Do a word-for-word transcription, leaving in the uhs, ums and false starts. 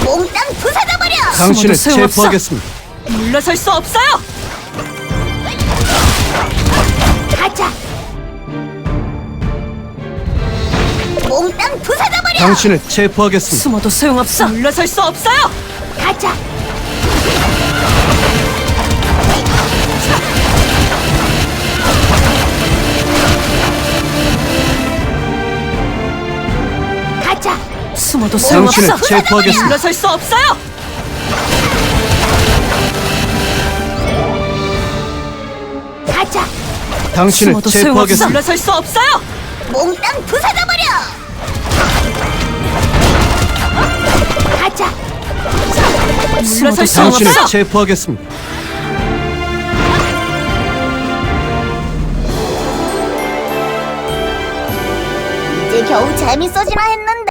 몽땅 부숴져버려! 당신을 숨어도 소용없어. 체포하겠습니다. 물러설 수 없어요. 가자! 몽땅 부숴져버려! 당신을 체포하겠습니다. 숨어도 소용없어. 물러설 수 없어요. 가자! 가자! 숨어도 당신을 소용없어. 체포하겠습니다. 물러설 수 없어요. 가자! 당신을 숨어도 소용없어. 체포하겠습니다. 물러설 수 없어요. 몽땅 부숴져버려! 가자! 물러설 수 당신을 없어. 체포하겠습니다. 이제 겨우 재밌어지나 했는데